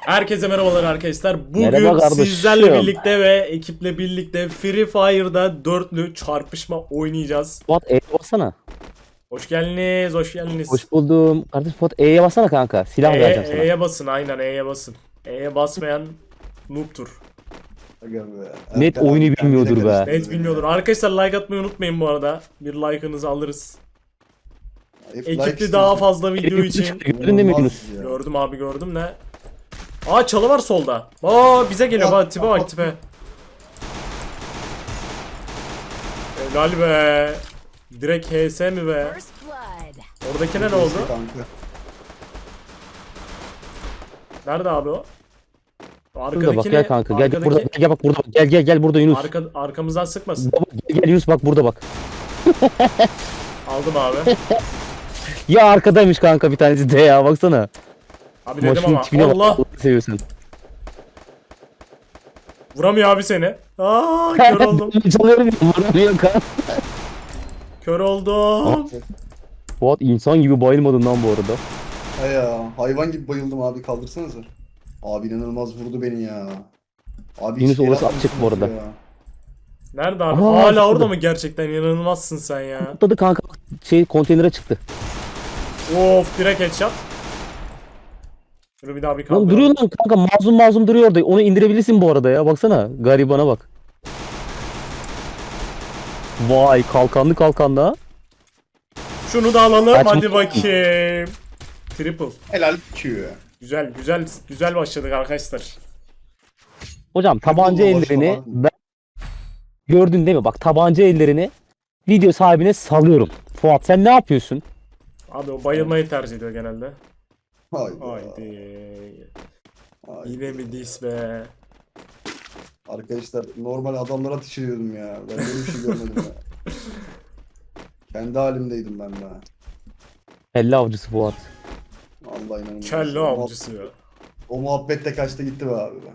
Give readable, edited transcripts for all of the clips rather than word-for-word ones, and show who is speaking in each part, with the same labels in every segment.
Speaker 1: Herkese merhabalar arkadaşlar. Bugün
Speaker 2: Merhaba kardeşim.
Speaker 1: sizlerle birlikte ve ekiple birlikte Free Fire'da dörtlü çarpışma oynayacağız.
Speaker 2: Fuat E'ye bassana.
Speaker 1: Hoş geldiniz, hoş geldiniz.
Speaker 2: Hoş buldum. Kardeşim Fuat E'ye bassana kanka. Silah vereceğim sana.
Speaker 1: E'ye basın, aynen E'ye basın. E'ye basmayan noob'tur.
Speaker 2: Net oyunu bilmiyordur be.
Speaker 1: Net bilmiyordur. Arkadaşlar like atmayı unutmayın bu arada. Bir like'ınızı alırız. Ekipli daha fazla video için.
Speaker 2: Gördün değil mi Yunus?
Speaker 1: Gördüm abi, gördüm ne? Aa, çalı var solda. Aa, bize geliyor bak, tipe bak tipe. Helal be. Direkt HS mi be? Oradakine ne oldu? Nerede abi o?
Speaker 2: Şurada bak gel kanka. Gel burada. Gel bak burada. Gel burada Yunus.
Speaker 1: Arkamızdan sıkmasın.
Speaker 2: Baba, gel Yunus bak burada bak.
Speaker 1: Aldım abi.
Speaker 2: Ya arkadaymış kanka bir tanesi de ya baksana.
Speaker 1: Abi dedim
Speaker 2: Maşının
Speaker 1: ama
Speaker 2: tipine bak.
Speaker 1: Allah.
Speaker 2: Allah'ını seviyorsun.
Speaker 1: Vuramıyor abi seni. Aa, kör oldum.
Speaker 2: Çalıyorum ya. Vuramıyor kanka.
Speaker 1: Kör oldum.
Speaker 2: Fuat insan gibi bayılmadın lan bu arada.
Speaker 3: He ya, hayvan gibi bayıldım abi, kaldırsanıza. Abi inanılmaz vurdu beni ya. Abi
Speaker 2: Yunus
Speaker 3: hiç el
Speaker 2: orası
Speaker 3: atmıyorsunuz
Speaker 2: açık bu arada.
Speaker 3: ya.
Speaker 1: Nerede abi?
Speaker 2: Aa,
Speaker 1: Hala
Speaker 2: şurada.
Speaker 1: orada mı gerçekten? İnanılmazsın sen ya.
Speaker 2: Atladı kanka. Konteynere çıktı.
Speaker 1: Of, direkt headshot. Şunu bir daha bir
Speaker 2: Lan
Speaker 1: kaldır.
Speaker 2: duruyor lan kanka mazlum duruyor orada. Onu indirebilirsin bu arada ya. Baksana garibana bak. Vay kalkanlı ha.
Speaker 1: Şunu da alalım
Speaker 2: Kaçmış.
Speaker 1: hadi bakayım. Triple.
Speaker 3: Helal Q.
Speaker 1: Güzel başladık arkadaşlar.
Speaker 2: Hocam tabanca
Speaker 3: Triple
Speaker 2: ellerini
Speaker 3: başlama.
Speaker 2: ben gördün değil mi? Bak tabanca ellerini video sahibine salıyorum. Fuat sen ne yapıyorsun?
Speaker 1: Abi o bayılmayı tercih ediyor genelde.
Speaker 3: Haydi.
Speaker 1: Haydi.
Speaker 3: Haydi.
Speaker 1: Yine mi dis be?
Speaker 3: Arkadaşlar normal adamlara ateş ediyordum ya. Ben böyle bir şey görmedim ya. Kendi halimdeydim ben be.
Speaker 2: Kelle avcısı Fuat.
Speaker 3: Allah inanılmaz.
Speaker 1: Kelle avcısı ya.
Speaker 3: O muhabbet de kaçta gitti be abi be.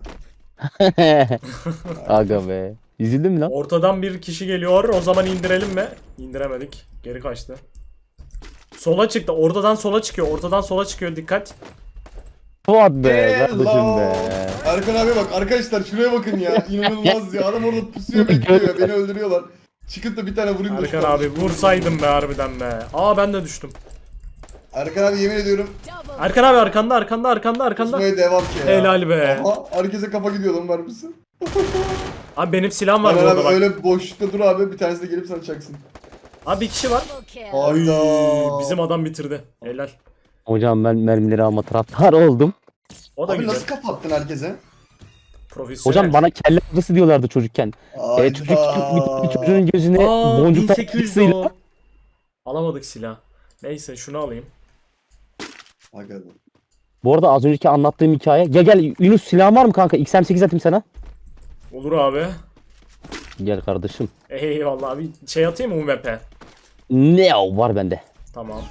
Speaker 2: Aga be. Üzüldün mü lan?
Speaker 1: Ortadan bir kişi geliyor. O zaman indirelim mi? İndiremedik. Geri kaçtı. Sola çıktı. Ortadan sola çıkıyor. Ortadan sola çıkıyor. Dikkat.
Speaker 2: Fuat be
Speaker 3: Hello.
Speaker 2: kardeşim be.
Speaker 3: Erkan abi bak arkadaşlar şuraya bakın ya. İnanılmaz ya. Adam orada pusuyor bekliyor ya. Beni öldürüyorlar. Çıkıp da bir tane vurayım da.
Speaker 1: Erkan abi vursaydım be harbiden be. Aa, ben de düştüm.
Speaker 3: Erkan abi yemin ediyorum.
Speaker 1: Erkan abi arkanda.
Speaker 3: Pusmaya devam ki ya.
Speaker 1: Helal be.
Speaker 3: Aha, herkese kafa gidiyor lan, var mısın?
Speaker 1: Abi benim silahım var
Speaker 3: Erkan
Speaker 1: burada
Speaker 3: abi
Speaker 1: bak.
Speaker 3: öyle boşlukta dur abi, bir tanesi de gelip sana çaksın.
Speaker 1: Abi bir kişi var. Ay,
Speaker 3: Hayda.
Speaker 1: bizim adam bitirdi. Helal.
Speaker 2: Hocam ben mermileri alma taraftar oldum.
Speaker 1: O da
Speaker 3: Abi
Speaker 1: güzel.
Speaker 3: nasıl kapattın herkese?
Speaker 1: Profesyonel.
Speaker 2: Hocam bana kelle avcısı diyorlardı çocukken.
Speaker 3: Hayda.
Speaker 2: Çocuk bir çocuğun gözüne
Speaker 1: Aa,
Speaker 2: boncuk
Speaker 1: 1800
Speaker 2: takmasıyla
Speaker 1: o. Alamadık silah. Neyse şunu alayım.
Speaker 3: Aga be.
Speaker 2: Bu arada az önceki anlattığım hikaye. Gel Yunus silahın var mı kanka? XM8 atayım sana.
Speaker 1: Olur abi.
Speaker 2: Gel kardeşim.
Speaker 1: Eyvallah abi. Şey atayım mı UMP?
Speaker 2: Ne o var bende.
Speaker 1: Tamam.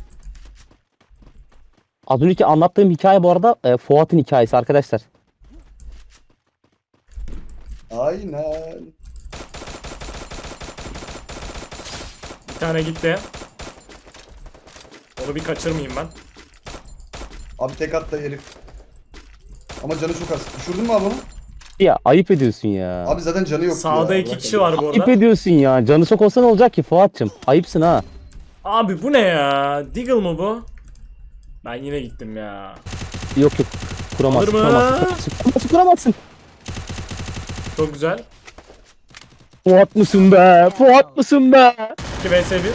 Speaker 2: Az önceki anlattığım hikaye bu arada Fuat'ın hikayesi arkadaşlar.
Speaker 3: Aynen.
Speaker 1: Bir tane gitti. Onu bir kaçırmayayım ben.
Speaker 3: Abi tek attı herif. Ama canı çok az. Düşürdün mü abi onu?
Speaker 2: Ya ayıp ediyorsun ya.
Speaker 3: Abi zaten canı yok
Speaker 1: Sağda
Speaker 3: ya.
Speaker 1: iki
Speaker 3: Bırak
Speaker 1: kişi
Speaker 3: abi.
Speaker 1: var bu
Speaker 2: Ayıp
Speaker 1: arada.
Speaker 2: ediyorsun ya. Canı çok olsa ne olacak ki Fuat'cığım? Ayıpsın ha.
Speaker 1: Abi bu ne ya? Deagle mı bu? Ben yine gittim ya.
Speaker 2: Yok kuramazsın.
Speaker 1: Alır mı?
Speaker 2: Kuramazsın.
Speaker 1: Çok güzel.
Speaker 2: Fuat mısın be? Fuat mısın be?
Speaker 1: 2 vs 1.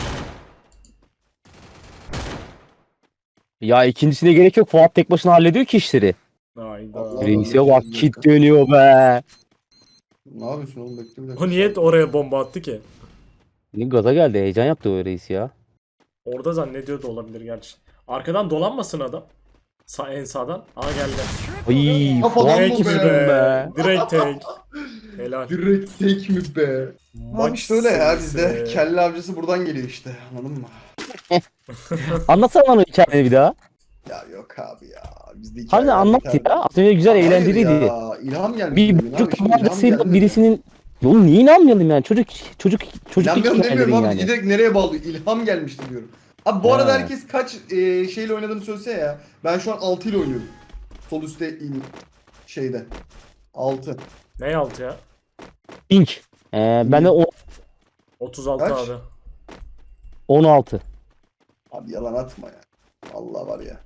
Speaker 2: Ya ikincisine gerek yok. Fuat tek başına hallediyor ki işleri.
Speaker 1: Hayda.
Speaker 3: Allah.
Speaker 2: Reis'e bak kit dönüyor be.
Speaker 3: Ne yapıyorsun oğlum, bekle bir dakika.
Speaker 1: O niye oraya bomba attı ki?
Speaker 2: Ne gaza geldi. Heyecan yaptı o reis ya.
Speaker 1: Orada zannediyor da olabilir gerçi. Arkadan dolanmasın adam. En sağdan. Aa, geldi.
Speaker 2: Ay
Speaker 3: Kafadan
Speaker 2: Fuat
Speaker 3: mı
Speaker 1: Tek mi
Speaker 2: mısın
Speaker 3: be?
Speaker 2: be?
Speaker 1: Direkt tek. Helal.
Speaker 3: Direkt tek mi be?
Speaker 1: Maç
Speaker 3: Abi işte öyle ya,
Speaker 1: serisi.
Speaker 3: bizde kelle avcısı buradan geliyor işte, anladın mı?
Speaker 2: Anlatsana bana o hikayeni bir daha.
Speaker 3: Ya yok abi ya. Bizde
Speaker 2: Harbiden anlat ya. Az önce güzel
Speaker 3: Hayır
Speaker 2: eğlenceliydi.
Speaker 3: ya, ilham gelmiş.
Speaker 2: Bir
Speaker 3: bugün abi,
Speaker 2: buçuk
Speaker 3: şimdi ilham
Speaker 2: tabancasıyla
Speaker 3: geldi.
Speaker 2: birisinin... Oğlum niye inanmayalım yani? Çocuk
Speaker 3: İnanmıyorum demiyorum abi,
Speaker 2: yani.
Speaker 3: direkt nereye bağlıyor? İlham gelmişti diyorum. Abi bu arada
Speaker 2: He.
Speaker 3: herkes kaç şeyle oynadığını söylese ya. Ben şu an 6 ile oynuyorum. Sol üstte in şeyde. 6.
Speaker 1: Ne altı ya?
Speaker 2: Pink. Ben de
Speaker 1: 36
Speaker 3: Kaç?
Speaker 1: abi.
Speaker 2: 16.
Speaker 3: Abi yalan atma ya. Allah var ya.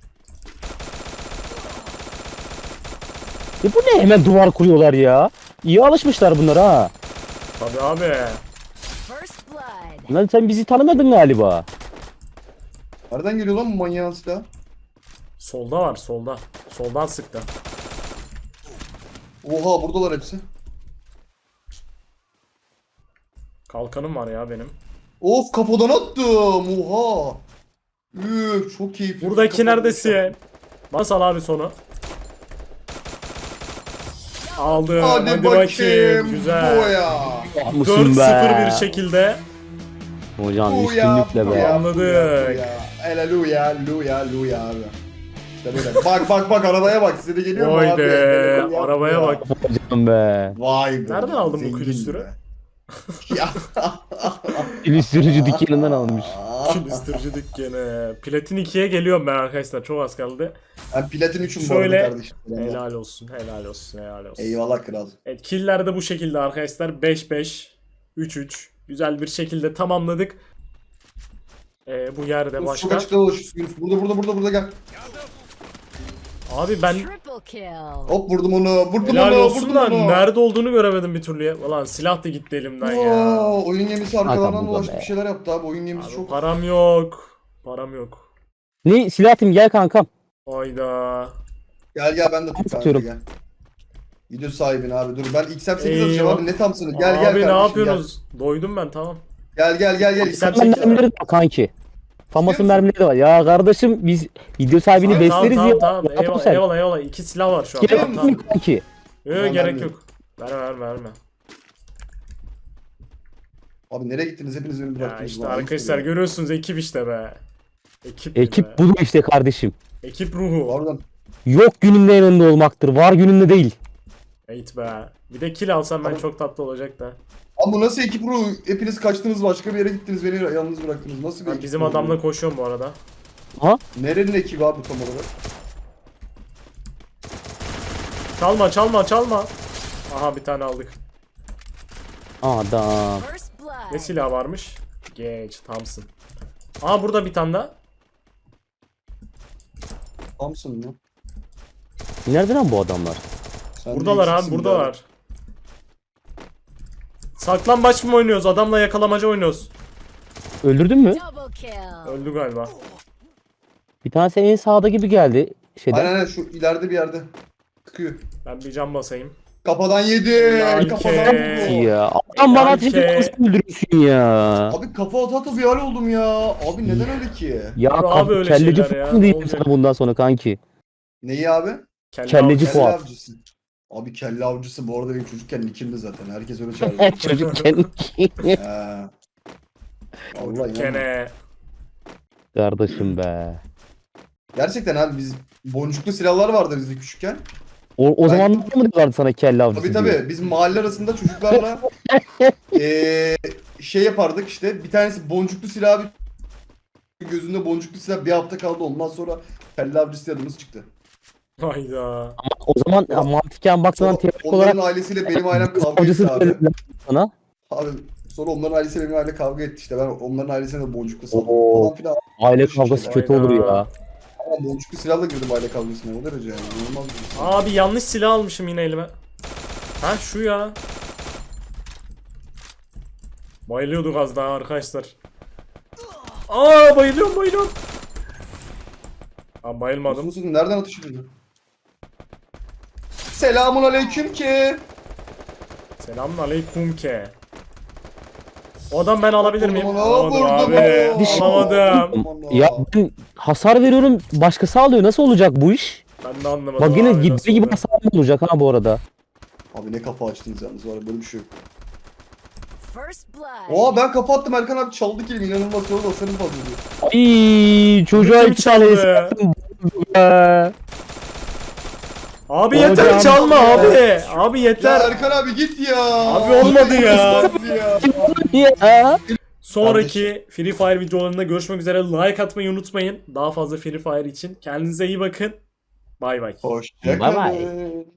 Speaker 2: Bu ne hemen duvar kuruyorlar ya. İyi alışmışlar bunlar ha.
Speaker 1: Tabii abi.
Speaker 4: First blood.
Speaker 2: Lan sen bizi tanımadın galiba.
Speaker 3: Nereden geliyor lan bu manyağın silahı?
Speaker 1: Solda var solda. Soldan sıktı.
Speaker 3: Oha buradalar hepsi.
Speaker 1: Kalkanım var ya benim.
Speaker 3: Of kafadan attım. Oha. Üf çok keyifli.
Speaker 1: Buradaki
Speaker 3: Kafadan
Speaker 1: neredesin? Basal abi sonu. Aldım.
Speaker 3: Hadi bakayım.
Speaker 1: Güzel.
Speaker 3: Boya.
Speaker 2: Mısın
Speaker 1: 4-0 bir
Speaker 2: be?
Speaker 1: şekilde.
Speaker 2: Hocam
Speaker 3: Boya.
Speaker 2: üstünlükle be.
Speaker 1: Anladık.
Speaker 3: Haleluya, luya, luya abi. İşte böyle. Bak arabaya bak. Size de geliyor mu
Speaker 1: Vay
Speaker 3: abi?
Speaker 1: be.
Speaker 3: Haleluya,
Speaker 1: Arabaya
Speaker 3: luya.
Speaker 1: bak.
Speaker 2: Hocam be.
Speaker 3: Vay be.
Speaker 1: Nereden aldın bu
Speaker 3: zengin
Speaker 1: külüstürü?
Speaker 3: be. Ya.
Speaker 2: İllüstrücü dükkanından almış.
Speaker 1: Külüstürcü dükkanı. Platin 2'ye geliyorum ben arkadaşlar. Çok az kaldı.
Speaker 3: Ben platin 3'üm bu arada
Speaker 1: Şöyle.
Speaker 3: kardeşim.
Speaker 1: Helal olsun. Helal olsun. Helal olsun.
Speaker 3: Eyvallah kral.
Speaker 1: Evet, killer de bu şekilde arkadaşlar. 5-5, 3-3. Güzel bir şekilde tamamladık. Bu yerde
Speaker 3: Çok
Speaker 1: başka.
Speaker 3: açıkta dolaşıyorsun. Yunus. Burada gel.
Speaker 1: Abi ben
Speaker 4: Triple kill.
Speaker 3: Hop vurdum onu. Vurdum
Speaker 1: helal
Speaker 3: onu.
Speaker 1: olsun
Speaker 3: Vurdum
Speaker 1: da
Speaker 3: onu.
Speaker 1: nerede olduğunu göremedim bir türlü ya. Ulan silah da gitti elimden ya.
Speaker 3: Oo, oyun gemisi arkalarından
Speaker 2: Hakan
Speaker 3: dolaştı
Speaker 2: burada
Speaker 3: bir
Speaker 2: be.
Speaker 3: şeyler yaptı abi. Oyun gemisi
Speaker 1: Abi
Speaker 3: çok.
Speaker 1: param yok. Param yok.
Speaker 2: Ne silah atayım gel kankam.
Speaker 1: Hayda.
Speaker 3: Gel ben de tut kanka
Speaker 2: Atıyorum.
Speaker 3: gel. Video sahibin abi dur. Ben XM8
Speaker 1: Eyvah.
Speaker 3: atacağım abi. Ne tamsınız? Gel
Speaker 1: Abi
Speaker 3: kardeşim.
Speaker 1: ne
Speaker 3: gel.
Speaker 1: yapıyorsunuz? Doydum ben tamam.
Speaker 3: Gel.
Speaker 1: Sen
Speaker 3: XM8
Speaker 1: çek.
Speaker 2: Mermileri de var kanki. Famas'ın
Speaker 3: İstiyor musun?
Speaker 2: mermileri de var. Ya kardeşim biz video sahibini
Speaker 3: Abi,
Speaker 1: Tamam
Speaker 2: besleriz ya.
Speaker 1: tamam.
Speaker 2: Rahat ol
Speaker 1: Eyvallah,
Speaker 2: sen.
Speaker 1: eyvallah. İki silah var şu an.
Speaker 2: Gerek
Speaker 1: Tamam,
Speaker 2: yok
Speaker 1: tamam.
Speaker 2: mu kanki?
Speaker 1: Yok
Speaker 3: Tamam,
Speaker 1: gerek
Speaker 3: vermiyorum.
Speaker 1: yok. Verme.
Speaker 3: Abi nereye gittiniz? Hepiniz beni
Speaker 1: Ya
Speaker 3: bıraktınız.
Speaker 1: işte
Speaker 3: lan.
Speaker 1: arkadaşlar
Speaker 3: Ayıp
Speaker 1: görüyorsunuz ekip işte be. Ekip be.
Speaker 2: Ekip budur işte kardeşim.
Speaker 1: Ekip
Speaker 3: oluyor.
Speaker 1: ruhu.
Speaker 3: Pardon.
Speaker 2: Yok gününde yanında olmaktır. Var gününde değil.
Speaker 1: Eğit be. Bir de kill alsam ben çok tatlı olacak da.
Speaker 3: Abi bu nasıl ekip ruhu? Hepiniz kaçtınız başka bir yere gittiniz. Beni yalnız bıraktınız. Nasıl bir
Speaker 1: Ben
Speaker 3: ekip
Speaker 1: bizim
Speaker 3: ruhu?
Speaker 1: adamla koşuyorum bu arada.
Speaker 2: Ha?
Speaker 3: Nerenin ekibi abi tam olarak?
Speaker 1: Çalma. Aha bir tane aldık.
Speaker 2: Adam.
Speaker 4: First blood.
Speaker 1: Ne silah varmış? Geç Thompson. Aha burada bir tane daha.
Speaker 3: Thompson mı?
Speaker 2: Nerede lan bu adamlar?
Speaker 3: Sen de
Speaker 1: Buradalar abi
Speaker 3: eksiksin
Speaker 1: buradalar. Saklambaç mı oynuyoruz? Adamla yakalamaca oynuyoruz.
Speaker 2: Öldürdün mü?
Speaker 4: Double kill.
Speaker 1: Öldü galiba.
Speaker 2: Bir tanesi en sağda gibi geldi. Şeyden.
Speaker 3: Aynen şu ileride bir yerde. Sıkıyor.
Speaker 1: Ben bir cam basayım.
Speaker 3: Kafadan yedi.
Speaker 1: Helal
Speaker 3: Kafadan
Speaker 1: ke.
Speaker 3: vurdu.
Speaker 2: Ya. Adam bana ateş
Speaker 1: Belki-
Speaker 2: edip nasıl öldürüyorsun ya?
Speaker 3: Abi kafa ata bir hal oldum ya. Abi neden öyle ki?
Speaker 2: Ya
Speaker 1: Abi öyle
Speaker 2: kelleci
Speaker 1: şeyler ya,
Speaker 2: falan diyeyim
Speaker 1: olacak.
Speaker 2: sana bundan sonra kanki.
Speaker 3: Neyi abi?
Speaker 1: Kelle
Speaker 2: Kelleci
Speaker 1: avcısı.
Speaker 3: Kelle
Speaker 2: Fuat.
Speaker 3: avcısı. Abi kelle avcısı bu arada benim çocukken nickimdi zaten. Herkes öyle çağırıyor.
Speaker 2: Çocukken.
Speaker 3: Ha. Vallahi yani.
Speaker 1: Kene.
Speaker 2: Kardeşim be.
Speaker 3: Gerçekten abi biz boncuklu silahlar vardı bizde küçükken.
Speaker 2: O
Speaker 3: Ben-
Speaker 2: zaman mı diyorlardı sana kelle avcısı
Speaker 3: Tabii
Speaker 2: diye?
Speaker 3: tabii biz mahalle arasında çocuklarla şey yapardık işte bir tanesi boncuklu silah bir gözünde boncuklu silah bir hafta kaldı ondan sonra kelle avcısı adımız çıktı.
Speaker 1: Hayda.
Speaker 2: O zaman ya, mantıken baktığından
Speaker 3: Sonra
Speaker 2: teorik olarak
Speaker 3: onların ailesiyle benim ailem kavga
Speaker 2: avcısı
Speaker 3: etti abi.
Speaker 2: dediler sana.
Speaker 3: Abi sonra onların ailesiyle benim aile kavga etti işte ben onların ailesine de boncuklu saldım
Speaker 2: Oo.
Speaker 3: falan filan.
Speaker 2: Aile kavgası kötü olur ya.
Speaker 3: Ama boncuklu silahla girdim aile kavgasına o derece yani inanılmaz bir şey.
Speaker 1: Abi yanlış silah almışım yine elime. Ha şu ya. Bayılıyorduk az daha arkadaşlar. Aa bayılıyorum. Abi bayılmadım.
Speaker 3: Musun nereden atış ediyor? Selamun aleyküm ki.
Speaker 1: Selamun aleyküm ke. O adam ben alabilir miyim?
Speaker 3: Vurdum,
Speaker 1: Alamadım
Speaker 3: vurdum,
Speaker 1: abi.
Speaker 3: vurdum.
Speaker 1: Alamadım.
Speaker 2: Ya ben hasar veriyorum başkası alıyor. Nasıl olacak bu iş?
Speaker 1: Ben de anlamadım
Speaker 2: Bak yine
Speaker 1: abi, nasıl
Speaker 2: gittiği gibi
Speaker 1: oluyor?
Speaker 2: hasar mı olacak ha bu arada?
Speaker 3: Abi ne kafa açtınız yalnız var ya, böyle bir şey yok.
Speaker 4: First blood.
Speaker 3: Oha ben kafa attım Erkan abi çaldı kelime inanılmaz sonra da senin fazla diyor.
Speaker 2: Ay çocuğa
Speaker 1: Kim
Speaker 2: iki tane
Speaker 1: çaldı?
Speaker 2: ıslattım be.
Speaker 1: Abi
Speaker 2: Hocam.
Speaker 1: yeter çalma abi. Abi
Speaker 3: Ya
Speaker 1: yeter.
Speaker 3: Erkan abi git ya.
Speaker 1: Abi olmadı ya.
Speaker 3: Olmaz ya.
Speaker 2: Ya.
Speaker 1: Sonraki Free Fire videolarında görüşmek üzere. Like atmayı unutmayın. Daha fazla Free Fire için. Kendinize iyi bakın. Bay bay.
Speaker 3: Hoşçakalın.
Speaker 2: Bye bye.